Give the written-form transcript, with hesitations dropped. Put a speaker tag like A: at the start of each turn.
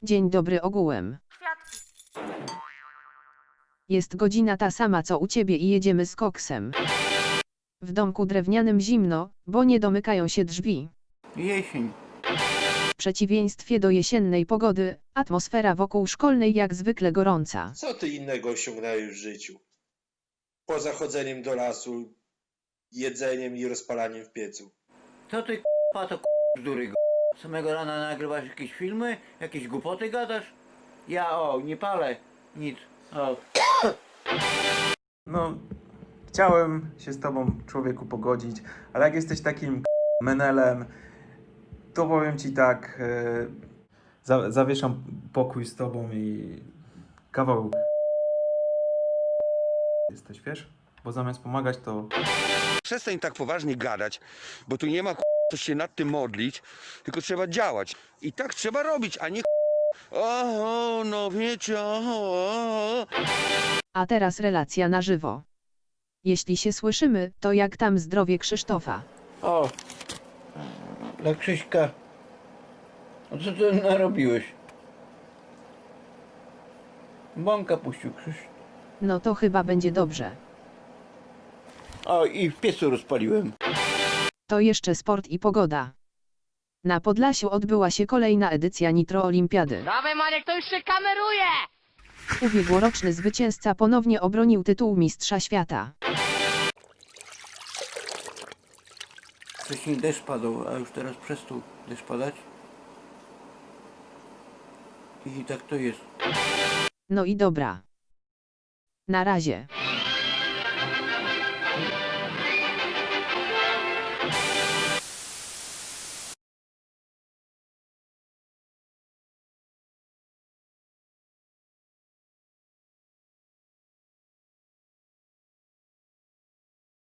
A: Dzień dobry ogółem. Jest godzina ta sama co u ciebie i jedziemy z koksem. W domku drewnianym zimno, bo nie domykają się drzwi.
B: Jesień.
A: W przeciwieństwie do jesiennej pogody, atmosfera wokół szkolnej jak zwykle gorąca.
C: Co ty innego osiągnąłeś w życiu? Poza chodzeniem do lasu, jedzeniem i rozpalaniem w piecu.
B: Co ty k***a to bzdury g***? Samego rana nagrywasz jakieś filmy? Jakieś głupoty gadasz? Ja nie palę. Nic.
D: No, chciałem się z tobą, człowieku, pogodzić, ale jak jesteś takim menelem, to powiem ci tak, zawieszam pokój z tobą i kawał jesteś, wiesz? Bo zamiast pomagać, to
E: Przestań tak poważnie gadać, bo tu nie ma co się nad tym modlić, tylko trzeba działać. I tak trzeba robić, a nie o, no wiecie, o.
A: A teraz relacja na żywo. Jeśli się słyszymy, to jak tam zdrowie Krzysztofa?
B: O! Dla Krzyśka. A co ty narobiłeś? Bąka puścił Krzyś.
A: No to chyba będzie dobrze.
B: O, i w piecu rozpaliłem.
A: To jeszcze sport i pogoda. Na Podlasiu odbyła się kolejna edycja Nitro Olimpiady.
F: Dawaj Maniek, to już się kameruje!
A: Ubiegłoroczny zwycięzca ponownie obronił tytuł mistrza świata.
B: Wcześniej deszcz padał, a już teraz przestał deszcz padać. I tak to jest.
A: No i dobra. Na razie.